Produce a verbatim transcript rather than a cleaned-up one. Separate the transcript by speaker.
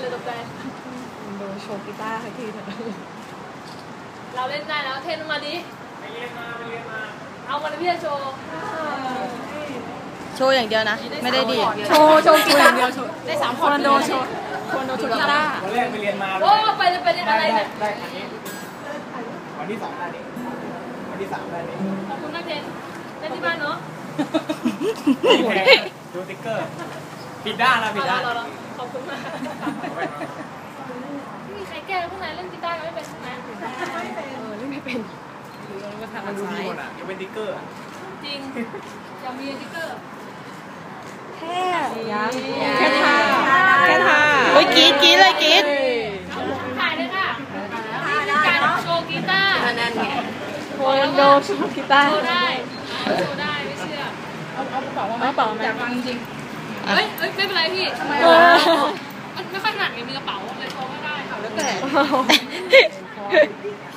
Speaker 1: เลยตกใจ
Speaker 2: โดนโชว์กีตาร์ให้ทีเถอะ
Speaker 1: เราเล่นได้แล้วเทนมาดิไปเรียนมาไปเรียนมาเอาวันนี้พี่จะโชว์
Speaker 3: โชว์อย่างเดียวนะไม่ได้ดี
Speaker 2: โชว์โชว์กีตาร์ได้สามคนโดนโชว์คนโดนโชว์กีตาร์
Speaker 4: วันแรกไปเรียนมา
Speaker 1: โอ้ไปไปเรียนอะไรเนี่ย
Speaker 4: ได้อันนี้วันที่สองได้นี้วันที่สามได้นี้
Speaker 1: ขอบคุณมากเทนเล่นที่บ้านเนาะ
Speaker 4: ดูติ๊กเกอร์ปิดด้านแล้วปิดด้าน
Speaker 1: ขอบคุณมากไม่มีใครแก้พวกนั้นเล่นกีตาร์ไม่เป็นใช่ไหม
Speaker 2: ไม่เป็นเออเล่นไม่เป็น
Speaker 4: มันดูดีหมดอ่ะยังเป็นติ๊กเกอร์
Speaker 1: จริงยังมีติ๊กเกอร์
Speaker 2: แค่แค่ท่าแค่ท่า
Speaker 3: โอ้ยกีดกีดเลยกีด
Speaker 1: ถ่ายเลยค่ะการโชว์กีตาร์
Speaker 2: นั่นไงคนโดนโชว์กีตาร์
Speaker 1: โชว์ได้โชว์ได้ไม่เชื่อ
Speaker 2: เอาเอากระเป๋ามาเอากระเป๋ามาอยากฟังจริง
Speaker 1: เฮ้ยเฮ้ยไม่เป็นไรพี่ทำไมมันไม่ค่อยหนักไงมีกระเป๋าเลยโชว์ไม่ได้ค่ะแล้วแต่